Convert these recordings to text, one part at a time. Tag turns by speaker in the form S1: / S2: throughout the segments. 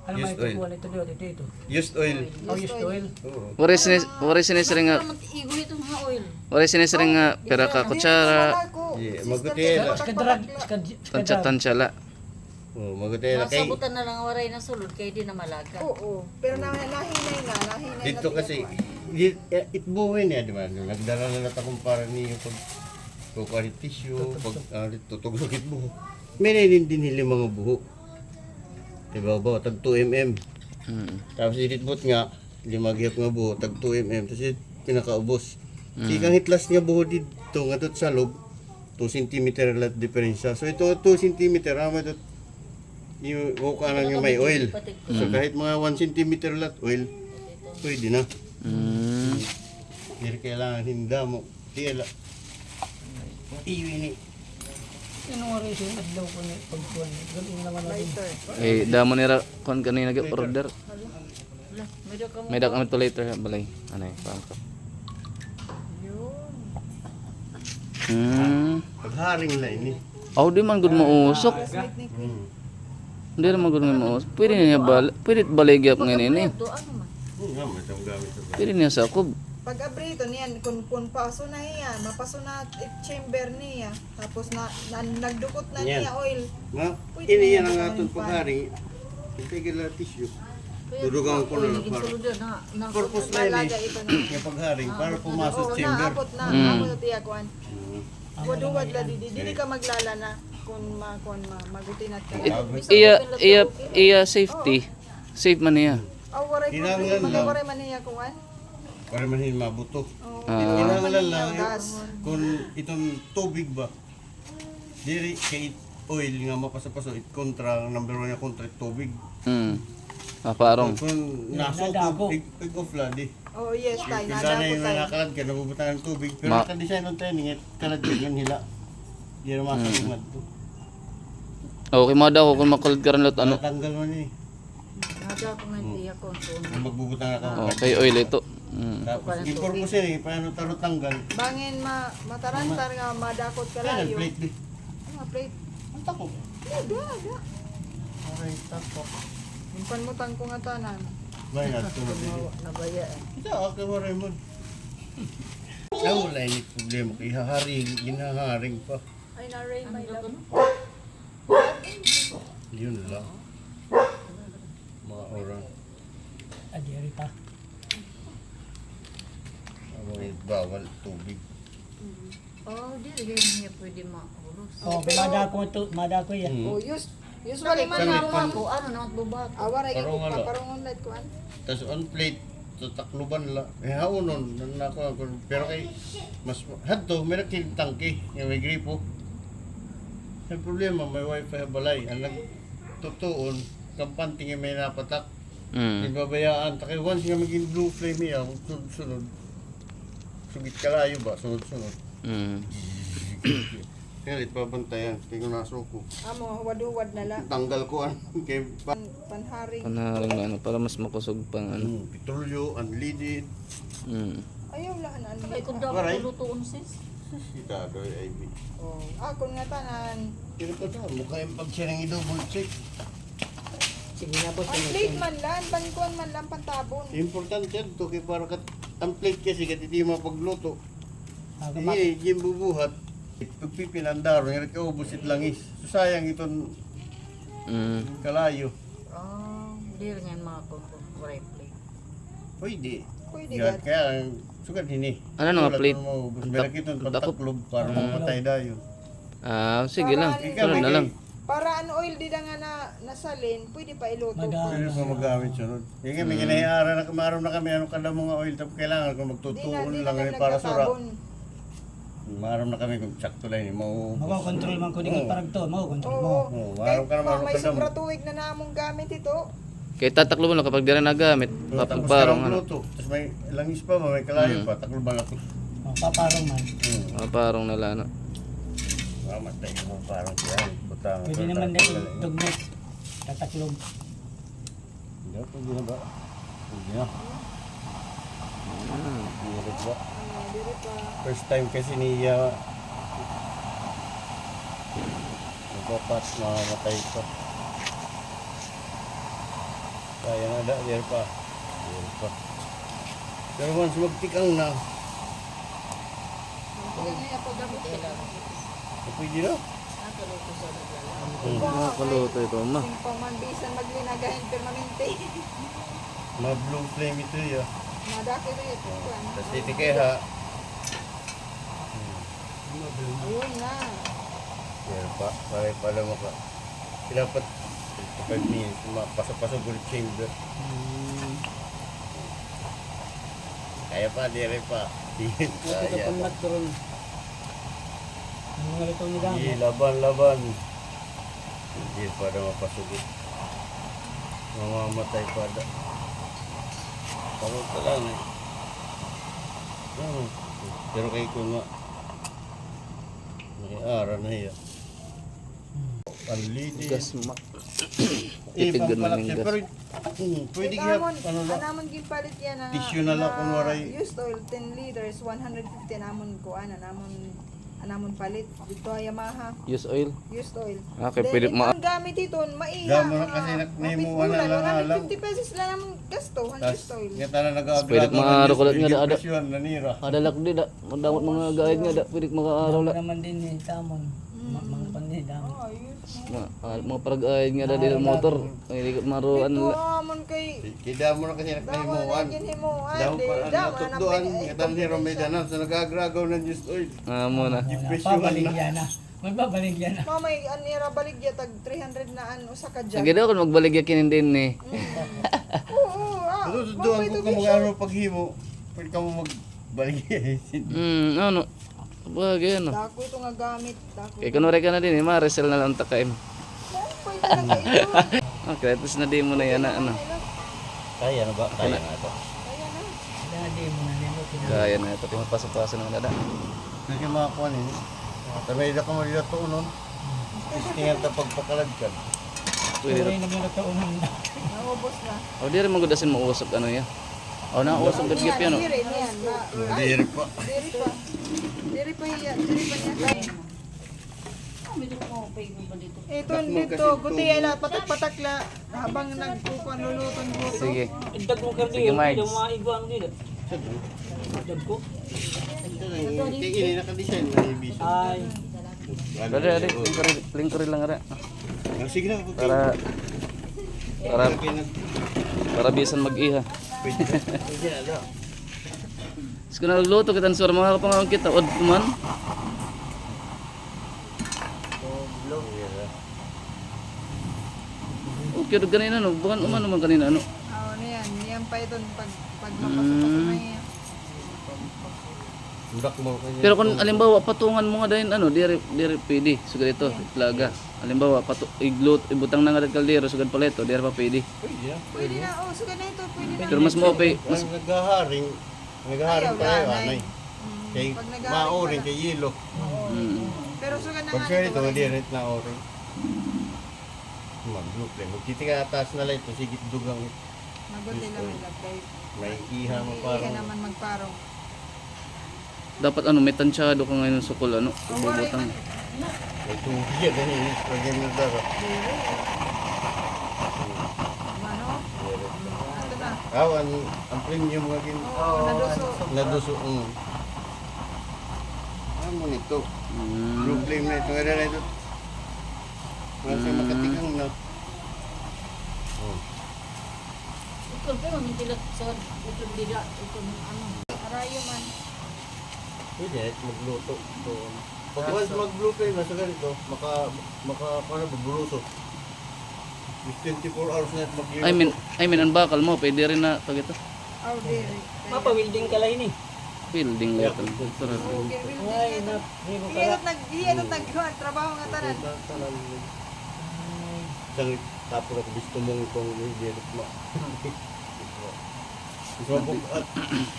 S1: Ano
S2: Used
S1: may
S2: oil.
S1: tukuan ito dito?
S2: Used oil.
S1: Oh, used oil.
S2: Oo.
S3: Wari sinisring nga,
S4: Igo ito mga oil.
S3: wari sinisring nga, pera ka kutsara,
S2: Yeah, magutela.
S1: Skadrag,
S3: tansya-tansya la.
S2: Oh, magutela kay
S4: Masabutan na lang waray na sulod kaya di na malaga.
S5: Oo. Pero nahinay na. Nahinay
S2: dito
S5: na
S2: kasi itbuhin niya, di ba? Nagdala na natakong para niyo pag kukuha tissue, pag tutugog itbuho. May nainindin mga buho. Diba ba? Tag 2 mm. Tapos ititbot nga, limagihap nga buho, tag 2 mm. Tapos pinakaubos. Ikang hitlas niya buho dito, nga doon sa loob, 2 cm lat diferensya. So ito 2 cm, ama ito, yung kanan yung may oil. So kahit mga 1 cm lat oil, pwede na. Hindi kailangan hinda mo. Tiyala. Iwini.
S1: Ano nga rin siya, adlaw ko na pagkuhan. Ganun naman natin.
S3: Eh, damo nira kon kanina nag-order.
S4: Wala, may daw ka mo.
S3: May dak kami to later balay. Ano eh, pangko.
S2: Pagharing na ini.
S3: Aw di man gud mo usok. Hindi naman gud mo usok. Pwede niya pwede baligya ngayon ini.
S4: Ito ano man.
S2: Nga, may itong gamit sa
S3: Pwede niya sa kub.
S5: Pag abrito niyan, kung paso na iya, mapaso na chamber niya. Tapos nagdukot na
S2: Yan.
S5: niya oil.
S2: Nga,
S5: Pwede
S2: ini
S5: na
S2: yan ang
S5: yan,
S2: atong
S5: pan.
S2: pagharing. Itigil na tissue. Dudugang ko na lang para.
S4: Sulod na.
S2: Purpose na
S5: Malaga
S2: yun
S5: ito na.
S2: yung pagharing para pumasok
S5: Oo,
S2: chamber.
S5: naabot na. Naabot na tiya kuan. Waduwad la didi ka maglala na kung magutinat ka.
S3: Iya safety. Safe man niya.
S5: Waray
S2: Kinahanglan
S5: problema,
S2: lang.
S5: waray man niya kuan.
S2: Para man hindi mabuto.
S5: Oo.
S2: Kinahanglan lang
S5: gas.
S2: kung itong tubig ba. Diri kay oil nga mapasapaso it kontra ang number 1 nga kontra tubig.
S3: Parong.
S2: Kung naso
S1: Nadago.
S2: pig off la di.
S5: Oh yes, tay
S2: Pinda na
S5: nadako
S2: yung
S5: tay.
S2: nakakalad ka, nabubutan ng tubig. Pero
S3: Ma-
S2: nakadesign ng training, kalad ka yun hila. Di na makalimad to.
S3: Okay mo daw kung makulit ka rin lot ano.
S2: Tanggal mo ni.
S4: Nada ko nga tiya ko.
S2: Kung magbubutang ako.
S3: Okay, oil ito.
S2: Tapos, yung purpose yun eh, paano taro tanggal.
S5: Bangin matarantar nga madakot ka
S2: Kaya
S5: layo.
S2: plate di.
S5: Ano plate?
S2: Ang tako.
S5: Da.
S2: Okay, tako.
S5: Impan mo tang ko nga tanan.
S2: May natulog din.
S4: Nabaya eh.
S2: Ito, okay mo Raymond. Wala yung problema. Ihaharing, ginaharing pa.
S5: Ay na Ray, my love.
S2: Yun lang. Mga orang.
S1: Adiri pa.
S2: Bawal tubig.
S4: Oh, di rin niya pwede makulos.
S1: Oh, madako ito, madako yan.
S5: Oh, usually man
S2: Kami
S5: na
S2: pan-
S4: Ako, ano na magbabato.
S5: awaray
S2: Parang
S5: ko
S2: wala.
S5: paparongon light kuan.
S2: Tapos on plate, tatakluban la. Eh haunon, nanako ako. Pero kay, mas hadto, may nakiling tangke, nga may gripo. May problema, may wifi balay. Ang nagtutuon, kampante nga may napatak. Ibabayaan, takay once nga maging blue flame niya, sunod-sunod. Sugit kalayo ba, sunod-sunod. Kaya pabantayan, kaya kung nasuko.
S5: Amo waduwad na la.
S2: Tanggal ko kay
S5: Panharing.
S3: Panaharing na ano, para mas makusog pang ano.
S2: petrolyo, unleaded.
S5: Ayaw la na
S4: Ay, kung dapat
S2: Waray.
S4: lutuon sis.
S2: Kita doy IB.
S5: Oh, akon nga tanan.
S2: Pero pa ta, mukha yung pag-share ng i-double check.
S1: Sige na boss.
S5: Ang plate man lan, pangkuan man lang pantabon.
S2: Importante yan to, kaya para kat, ang plate kasi kat hindi mapagluto.
S1: Agamak.
S2: Hindi, yung bubuhat. Pagpipilandaro, yung kaubusit langis. So sayang itong kalayo.
S4: Oh, di rin yan mga waray plate.
S2: Pwede.
S5: Pwede
S2: Yan,
S5: gat.
S2: kaya sugat ini.
S3: Ano nga
S2: Wala
S3: plate?
S2: tong maubos. Meron kitong pantaklob para mamatay dayo.
S3: Sige lang.
S5: Para-
S3: Sunod na lang.
S5: Para an oil di da nga nasalin, pwede pa iluto.
S2: Pwede pa magamit sunod. Yung kami, ginahihara na kamaroon na kami, anong kada mga oil, tapos kailangan kung magtutuon lang
S5: kami
S2: kami para sura.
S5: nagtatabon.
S2: Maroon na kami kung sakto lang yun,
S1: Mako-control man ko din parang to, mako-control mo.
S5: Oo.
S2: maroon ka naman,
S5: May
S2: kada mo.
S5: sobra tuwig na namong gamit ito.
S3: Kaya tataklo mo lang kapag di rin nagamit.
S2: Tapos
S3: Parang
S2: karang
S3: ano.
S2: luto. Tapos may langis pa, may kalayo pa, taklo ba ako.
S1: Oh, paparong man.
S3: Parang nalano.
S2: Mamatay mo parang siya. Butang.
S1: Pwede naman na tugnet. Tataklog.
S2: Hindi, pwede na ba? Pwede na. Pwede ba?
S5: Diri pa.
S2: First time kasi niya nagpapat, mamamatay ko. Kaya na da, there pa. Pero once magtikang na, pwede na.
S3: Nakaluto ito, ma.
S5: Sing pamanbisan maglinagahin permanente.
S2: Ma-blue flame ito ya.
S5: Madaki rin ito.
S2: Tapos titikay ha.
S5: Ayun na.
S2: There pa, pala maka. Dapat 5 minutes, pasok-pasok ulit chamber. Kaya pa, dire pa. Kaya pa.
S1: Ang mga luto ni Damo.
S2: Sige, laban. Hindi pa na mapasugit. Mamamatay pa da. Pagod ka lang eh. Pero kay ko nga. Nakiara na hiya. Panlidi.
S3: Gas, ma.
S2: Eh,
S3: Titigan
S2: pampalak
S3: ng
S2: siya.
S3: gas.
S2: Pero, pwede kaya, ano lang.
S5: Anamon gipalit yan na
S2: Tissue na lang kung waray.
S5: used oil 10 liters 150 namon ko anamon palit dito ay Yamaha
S3: Use oil.
S5: used oil.
S3: Okay,
S5: Then,
S3: pwede
S5: ang gamit dito maiya.
S2: Gamo na kasi nahimuan na lang alam.
S5: 150 pesos lang naman gasto ang
S2: Tapos,
S5: used oil.
S2: nga tala nag-aagaw.
S3: Pwede maaro ko lang nga da.
S2: Presyon, nanira.
S3: Adalak di da. Madamot mga gahid nga da. Pwede makaaraw
S1: Wala
S3: la.
S1: naman din ni Tamon. Mga panday Damo.
S5: Oh, ayos.
S3: Mga parag-ahid nga da dito motor. Ay, di ko maruan
S5: Dito
S3: la.
S5: amon kay
S2: Kida mo na kasi
S5: dawa
S2: nagnahimuan.
S5: na gin himuan.
S2: Daw pa,
S5: Daw
S2: natutduan. Nga tala ni Romedanan. Sa nag-agragaw ng just oil.
S3: Mo na.
S2: Presyon
S1: Babalik
S2: na.
S1: yan na. Magbabaligyan na.
S5: Mamay anira baligya tag 300 na usa ka
S3: Sige
S5: jug.
S3: daw kung magbaligya kinin din ni.
S5: Oo,
S2: Tutudduan ko ka mag-aro paghimo. Pwede ka mo magbaligay.
S3: Ano? Bagay ano.
S5: Dako ito nga gamit. Dako.
S3: Kaya kunwari ka na din eh. Resell na lang takaim.
S5: Pwede talaga ito.
S3: Kreatis na di mo na yan na ano.
S2: Kaya na ba? Kaya na ito.
S5: Kaya na.
S1: Dadi mo na nilot.
S3: Kaya na ito. Pasok-pasok ng dada.
S2: Kasi makakuha nini. Tamay na ka mo dito to nun. Istingan ta pagpakalad ka.
S3: Pwede
S1: Pwede
S3: rin.
S1: na mga taonan na.
S5: Naubos na.
S3: O di rin magudasin mo usap ano yan. O na usap gagip yan o.
S5: Diri niyan.
S2: Diri pa.
S5: Diri pa. Diri pa niya. Diri pa niya. Ito dito. Buti ay lahat patak-patak la. Habang nagkukuan luluton ko.
S3: Sige.
S1: Idag mo kardi.
S3: Sige, Mike.
S1: Yung mga iguan dito. Idag ko.
S2: Ini naka-design na ibis.
S1: Ay.
S3: Dada, dada. Lingkuri lang ara.
S2: Sige na.
S3: Para bisan mag-iha.
S2: Pwede na.
S3: Sige na nagluto kita ng suara mga kapangawag kita. Od kuman. Okay, doon kanina no. Bukan umano man kanina no.
S5: Ano yan. Yan pa ito pag mapasok-pasok na yan.
S2: Budak mo kanya.
S3: Pero kung alimbawa patungan mo nga din ano, diri pwede. Sugad ito, plaga. Alimbawa ibutang na nga dad kaldero sugad pala ito, diri pa pwede.
S2: Pwede na.
S5: Pwede na. Oh, suga na ito. Pwede na.
S3: Pero mas mo okay, mas
S2: Naghaharing
S5: Ayaw,
S2: tayo
S5: lanay.
S2: anay. Kay
S5: Pag nag-aaring
S2: maoring
S5: pala.
S2: kay yelo.
S5: Pero suga na
S2: Pag
S5: nga
S2: sure
S5: ito.
S2: ito, diret na oring. Mag-blue flame. Magkiti ka atas na lang ito, sigit dugang
S5: Mabuti lang may lagay.
S2: may iha mo
S5: Iiha
S2: parang.
S5: naman magparong.
S3: dapat ano, may tansyado ka ngayon sa sukol ano, bubutang.
S2: May tubig yan, ganyan. Lagyan mo dara.
S5: Ano? Ito na.
S2: Ang premium nga gin.
S5: Oo, naduso.
S2: Naduso. Ano mo nito? Blue flame na ito. Nga na ito. Wala siya makatikang na.
S5: Arayo man.
S2: Pwede, magluto. So, pag once mag-blue flame na sa ganito, paano magluto? 24 hours na ito magliluto.
S3: I mean ang bakal mo, pwede rin na pag ito.
S5: Oh, diri.
S1: Mapa-welding ka lang ini.
S3: Building level.
S5: Okay,
S1: Ay,
S5: will
S1: Ribo ka.
S5: Iyanot trabaho nga tanan.
S2: Isang tapo na gusto mong itong direct mo. Gusto mo at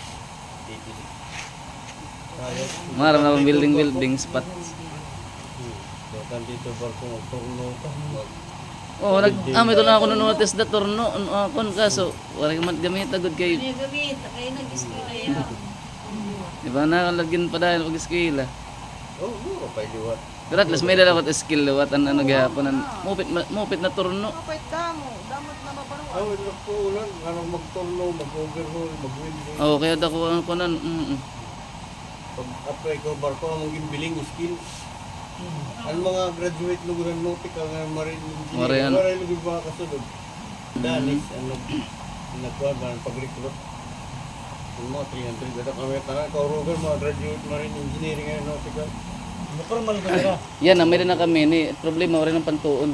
S3: Maram na building spot.
S2: Doon dito barko ng turno.
S3: Oh, ito na ako notice da turno kon kaso wala man gamit agad kay.
S4: Gamit, kaya nag-skill
S3: Di ba na lagyan pa dahil pag skill.
S2: Oo, pa liwat.
S3: Pero at least may dala ko skill wat an ano gihapon an mupit na turno.
S5: Kapit damo, damot na mabaruan.
S2: Oh, ito po ulan. Anong magturno, mag-overhaul, mag-winding.
S3: Oh, kaya dako ang kunan.
S2: Pag-apply ko, barko ang gibiling skill. Ang mga graduate luguran nautical nga marine engineer,
S3: Marian.
S2: maray lugur ba kasunod. Danis, nagkuhan ba ng pag-recruit. Yung mga 300, ganda kami tanan, kaurugan mga graduate marine engineering nga nautical.
S1: Normal ko nila.
S3: Yan, may na kami ni problema rin ang pantuon.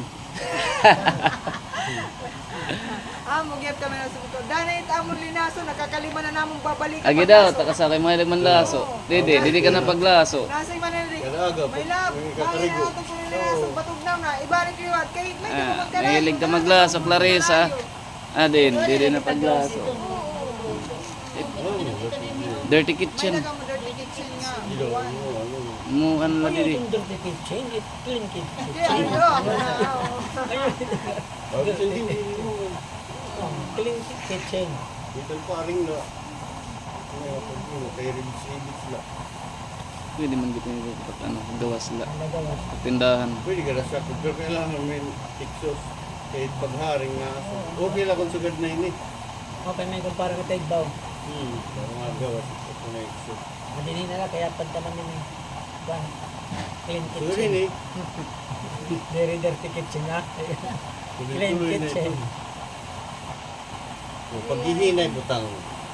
S5: Magyap kami na sumuto. Danay amon linaso, nakakalima na namong babalik.
S3: Agi daw, takasakay mga ilagman laso. Didi ka na paglaso.
S5: Nasay man na rin.
S2: Kalaga,
S5: May lab,
S2: may
S5: may
S2: kakarigo.
S5: atong kung linaso, batugnaw na. Ibalik yung at kahit may
S3: Ah,
S5: magkalayo.
S3: mahilig ka maglaso, Clarissa. Didi na paglaso. Dirty
S5: May
S3: kitchen.
S5: nagang mo dirty kitchen nga.
S3: Mo ano na didi.
S1: Yung dirty kitchen, it clean kitchen.
S5: Kaya ako na.
S1: Clean kitchen.
S2: Dito pa rin na. Kaya rin sila.
S3: Pwede man gito yung pag ano, gawas sila.
S1: Nagawas.
S3: Tindahan.
S2: Pwede ka na sa pero kailangan may tiksos. Kahit pagharing na. Okay lang kung sugad na ini.
S1: Okay, may kumpara ka tayo.
S2: Pero nga gawas ito kung na iksos.
S1: Madali na lang, kaya pagtaman din eh. One. Clean
S2: Sugad
S1: kitchen.
S2: ini.
S1: Very dirty kitchen ha. Clean
S2: Tuloy-tuloy na ito.
S1: kitchen.
S2: Pag hihinay butang.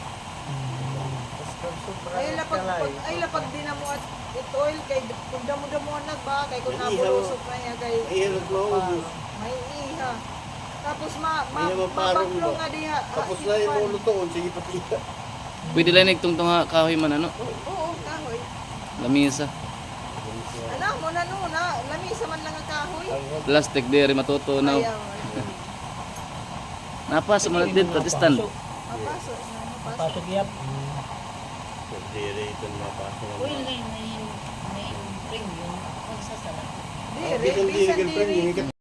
S5: Ay lapag din na mo at it oil kay kung damo-damo nagba kay kung
S2: May ihaw.
S5: nabulusok na niya kay
S2: Ay, hirap na ubos.
S5: may iha. Tapos
S2: May naman parang
S5: mabaklong
S2: ba?
S5: nga diha.
S2: Tapos na yung ulo to, sige pati.
S3: Pwede lang nagtungtong kahoy man ano.
S5: Oo, kahoy.
S3: Lamisa.
S5: Ano mo na no na lamisa man lang ang kahoy.
S3: Plastic diri matutunaw.
S5: Ayaw.
S3: Napasok man dito stand.
S5: Mapasok na mapasok.
S1: Pasok yap.
S2: Dire ito mapasok.
S4: Uy, may ring yun. Kung sa sarap.
S5: Dire, bisan dire.